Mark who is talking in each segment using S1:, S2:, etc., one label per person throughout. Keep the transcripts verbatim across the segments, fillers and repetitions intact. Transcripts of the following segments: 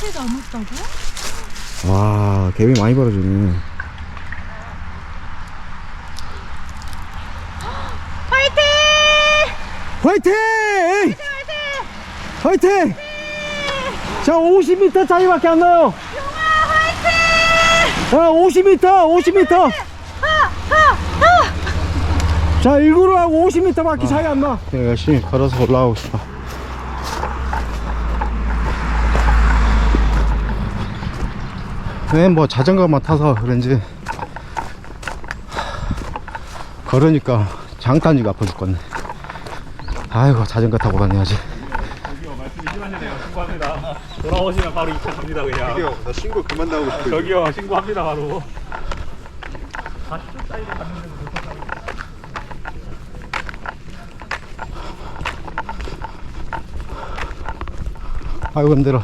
S1: 이렇게 남았다고?
S2: 와, 갭이 많이 벌어지네.
S1: 파이팅!
S2: 화이팅! 화이팅! 화이팅! 자, 오십 미터 차이밖에 안 나요. 자, 오십 미터, 오십 미터. 자, 일구로하고 오십 미터밖에 차이 안 나. 내가 열심히 걸어서 올라가고 싶어. 네, 뭐 자전거만 타서 그런지 걸으니까 장탄지가 아파 죽겠네. 아이고, 자전거 타고 다녀야지.
S3: 저기요, 말씀이 심하시네요. 신고합니다. 돌아오시면 바로 이 차 갑니다, 그냥.
S4: 저기요, 나 신고 그만 나오고 싶어요.
S3: 저기요, 신고합니다, 바로. 사십 초 사이에 갔는데도 못 탔다고.
S2: 아이고, 힘들어.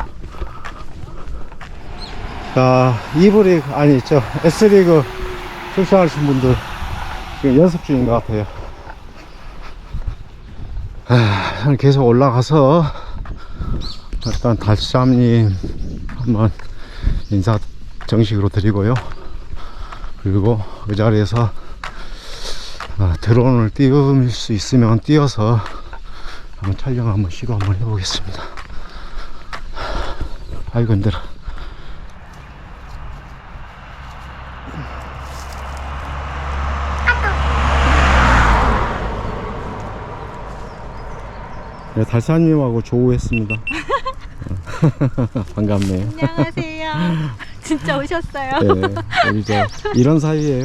S2: 자, 이 부 리그, 아니, 저 S리그 출전하신 분들 지금 연습 중인 것 같아요. 아, 저는 계속 올라가서 일단 달쌈님 한번 인사 정식으로 드리고요. 그리고 그 자리에서 아, 드론을 띄울 수 있으면 띄워서 한번 촬영 한번 시도 한번 해보겠습니다. 아이고, 힘들어. 네, 달사님하고 조우했습니다. 반갑네요.
S1: 안녕하세요. 진짜 오셨어요?
S2: 네, 우리 저 이런 사이예요.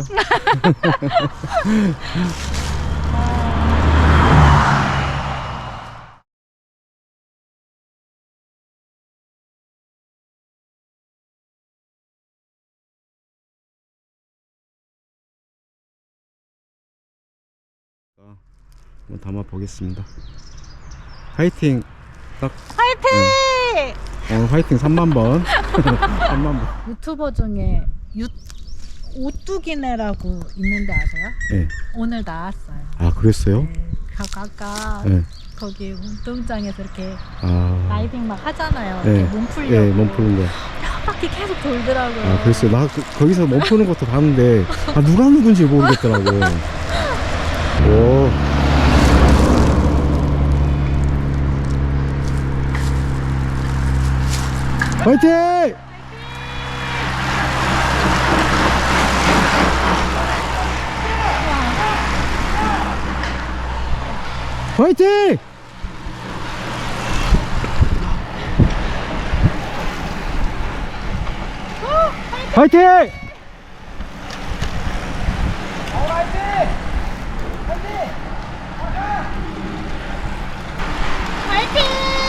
S2: 한번 담아 보겠습니다. 화이팅! 딱
S1: 파이팅!
S2: 네. 오늘 화이팅 삼만 번. 삼만 번.
S1: 유튜버 중에 유, 오뚜기네라고 있는데 아세요?
S2: 네.
S1: 오늘 나왔어요.
S2: 아, 그랬어요?
S1: 네. 아까, 아까
S2: 네.
S1: 거기 운동장에서 이렇게
S2: 아,
S1: 라이딩 막 하잖아요.
S2: 네.
S1: 이렇게 몸 풀려고.
S2: 네, 몸 푸는 거.
S1: 한 바퀴 계속 돌더라고요.
S2: 아, 그랬어요. 나 그, 거기서 몸 푸는 것도 봤는데, 아, 누가 누군지 모르겠더라고. 오. 화이팅! 화이팅! 화이팅!
S1: 파이팅!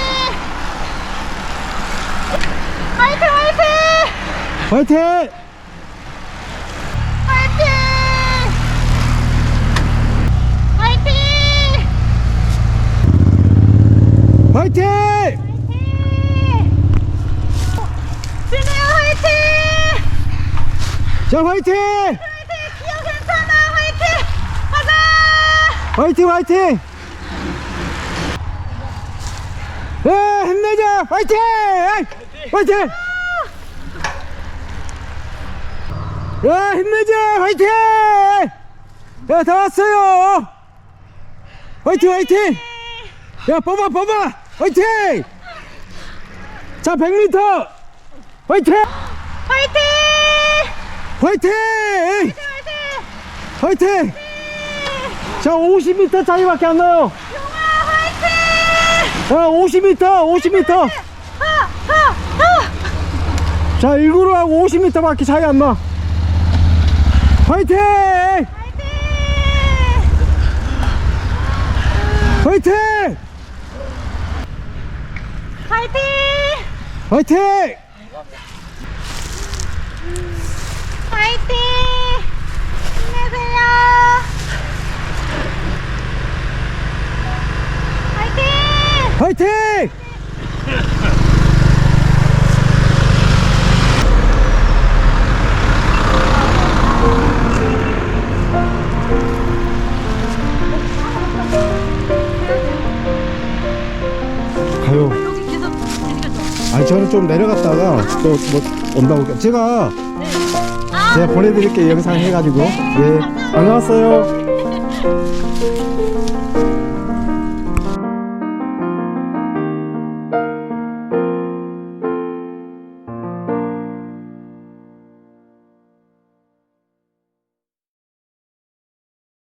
S1: 파이팅! 화이팅!
S2: 화이팅!
S1: 화이팅! 화이팅!
S2: 화이팅!
S1: 진우야 화이팅!
S2: 자, 화이팅!
S1: 화이팅! 기억 괜찮아 화이팅! 가자!
S2: 화이팅, 화이팅! 예, 힘내자! 화이팅! 화이팅! 야, 힘내자! 화이팅! 야, 다 왔어요! 화이팅, 화이팅! 야, 뽑아, 뽑아! 화이팅! 자, 백 미터! 화이팅!
S1: 화이팅!
S2: 화이팅! 화이팅! 자, 오십 미터 차이밖에 안 나요! 자, 오십 미터, 오십 미터! 자, 일구로하고 오십 미터밖에 차이 안 나! 화이팅! 화이팅!
S1: 화이팅!
S2: 화이팅!
S1: 화이팅! 힘내세요! 화이팅!
S2: 화이팅! 가요.
S1: 여기 계속 당겨줘.
S2: 아니, 저 저는 좀 내려갔다가 또 뭐 온다고 제가 제가 보내드릴게요. 영상 해가지고. 예, 다녀왔어요.